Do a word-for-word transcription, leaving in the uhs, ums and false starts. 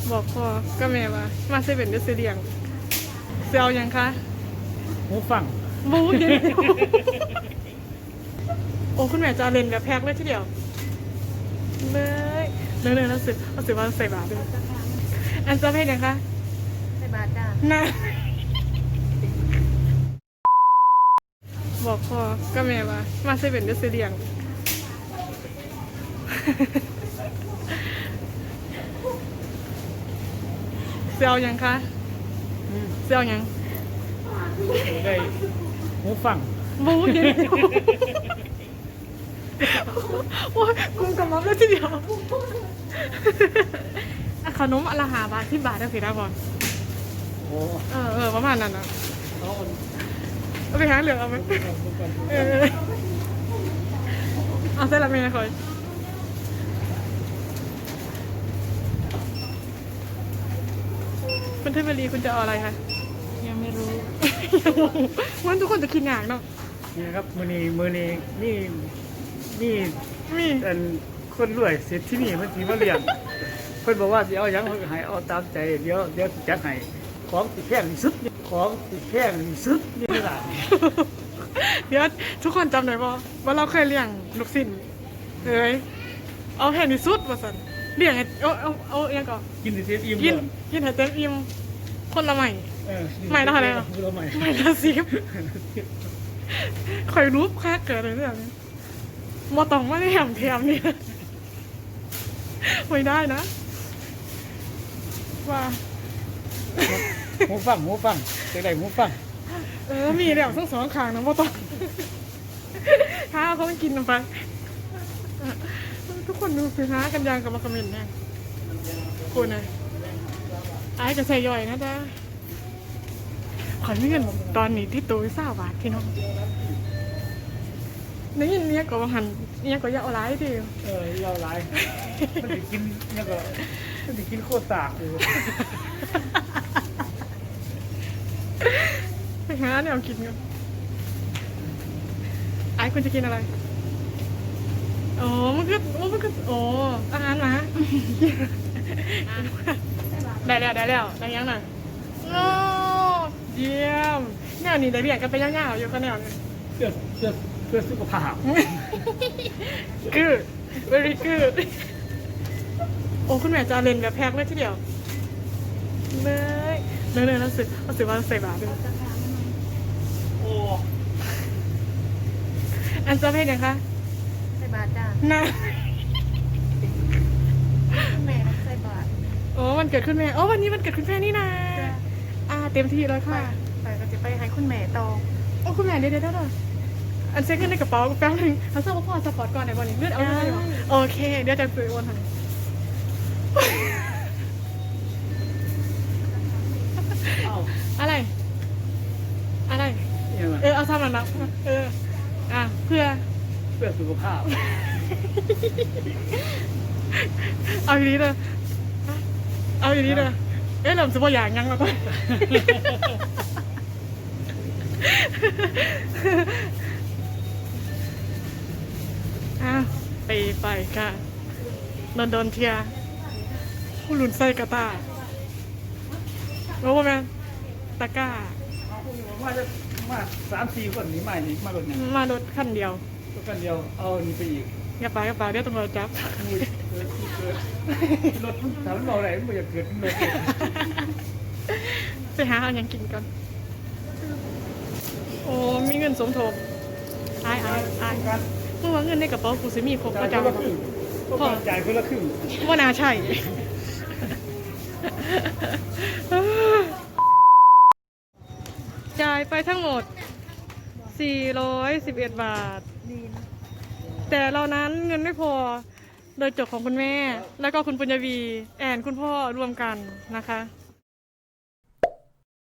บอกพ่อก็แม่ว่ามาเซเว่นเดอะซีเรียงเซียวยังคะหูฟังบูเห็นโอ้คุณแม่จะเล่นแบบแพ็คเลยทีเดียวเลยเนื้อเนื้อแล้วสึกเอาสึกว่าใส่บาตรด้วยอันจะเพศยังคะใส่บาตรจ้าน่าบอกพ่อก็แม่ว่ามาเซเว่นเดอะซีเรียงเซียวยังคะเซียวยังได้หูฟังบูเห็นโอ้ยกุมกับมัฟเลยทีเดียวขนมอลาหาบาทที่บาทได้สิได้ก่อนโอ้เออเออประมาณนั้นนะเอาไปหาเหลืองเอาไหมเออเอาเส้นละเมย์คอยคุณเทพลีคุณจะเอาอะไรคะยังไม่รู้วันทุกคนจะคิดงานเนาะนี่ครับมือนี้มือนี้นี่นี่มีเป็นคนรวยเสร็จที่นี่มันสีมาเรียนเพิ่นบอกว่าสิเอาหยังให้เอาตามใจเดี๋ยวเดี๋ยวจัดให้ของสิแพงที่สุดของสิแพงที่สุดนี่ล่ะเดี๋ยวทุกคนจำได้ป่ะว่าเราเคยเลี้ยงลูกศิษย์เอ้ยเอาแพงที่สุดว่าสันเลี้ยงให้เอาเอาเอาเองก่อนกินเต็มอิ่มกินกินให้เต็มอิ่มคนละใหม่ใหม่ละอะไรอ่ะใหม่ใหม่ละสิบคอยรู้แค่เกิดอะไรเรื่องนี้มอตองไม่ได้แหมเทียมนี่ไม่ได้นะว่าหูฟังหูฟังจะได้หูฟังเออมีแล้วทั้งสองข้างนะมอตองถ้าเขาไม่กินไปทุกคนดูสิฮะกันยางกับมาคอมเมนต์เนี่ยคุณนะไอ้จะใส่ย่อยนะจ๊ะขอเงินตอนนี้ที่ตัวเศร้าบาทพี่น้องนี่เนี่ยก็หันเนี่ยก็ยาวร้ายทีเออยาวร้ายมันจะกินเนี่ยก็มันจะกินโคตรตากอยู่ไปหาเนี่ยเอากินกันไอ้คุณจะกินอะไรโอ้มันก็โอ้มันก็โอ้อาหารมาได้แล้วได้แล้วได้ยังหน่อยโอ้เยี่ยมแนวนี้ได้เรียนกันไปย่างๆอยู่ก็แนวนี้เพื่อเพื่อเพื่อสุขภาพคือ very good โอ้คุณแม่จะเล่นแบบแพ็คเลยทีเดียวเลยเนื้อเนื้อแล้วสึกเอาสึกว่าใส่บาตรด้วยโอ้อันจะเพศยังคะใส่บาตรจ้าน่าแม่ใส่บาตรโอ้วันเกิดคุณแม่โอ้วันนี้วันเกิดคุณแม่นี่นะอ่าเต็มที่เลยค่ะไปก็จะไปให้คุณแม่โตโอ้คุณแม่เดี๋ยวเดี๋ยวเดี๋ยวอันเซ็ตเงินในกระเป๋าแป๊บนึงเขาทราบว่าพ่อสปอร์ตก่อนไหนวันนี้เลือดเอาเงินโอเคเดี๋ยวจะซื้อวันทันอะไรอะไรเออเอาซ้ำหน่อยนะเอออ่ะเพื่อเพื่อสุขภาพเอาอย่างนี้เลยเอาอย่างนี้เลยเอ๊ะเราจะว่าอย่างยังเราก็อ่ะไปไปค่ะโดนโดนเทียผู้หลุนไส้กระตารู้ป่ะแม่ตะก้ามาจะมาสามสี่คนนี้มาอีกมารถเนี่ยมารถคันเดียวรถคันเดียวเอานี่ไปอีกอย่าไปอย่าไปเดี๋ยวตำรวจจับรถถามมันบอกอะไรมันบอกอย่าเกิดรถไปหาเอาอย่างกินกันโอ้มีเงินสมทบอายอายอายกันเมื่อว่าเงินในกระเป๋ากูสิมีครบก็จะพอจ่ายคนละครึ่งว่าน่าใช่จ่ายไปทั้งหมดสี่ร้อยสิบเอ็ดบาทแต่เรานั้นเงินไม่พอโดยจบของคุณแม่แล้วก็คุณปุญญวีแอนคุณพ่อรวมกันนะคะ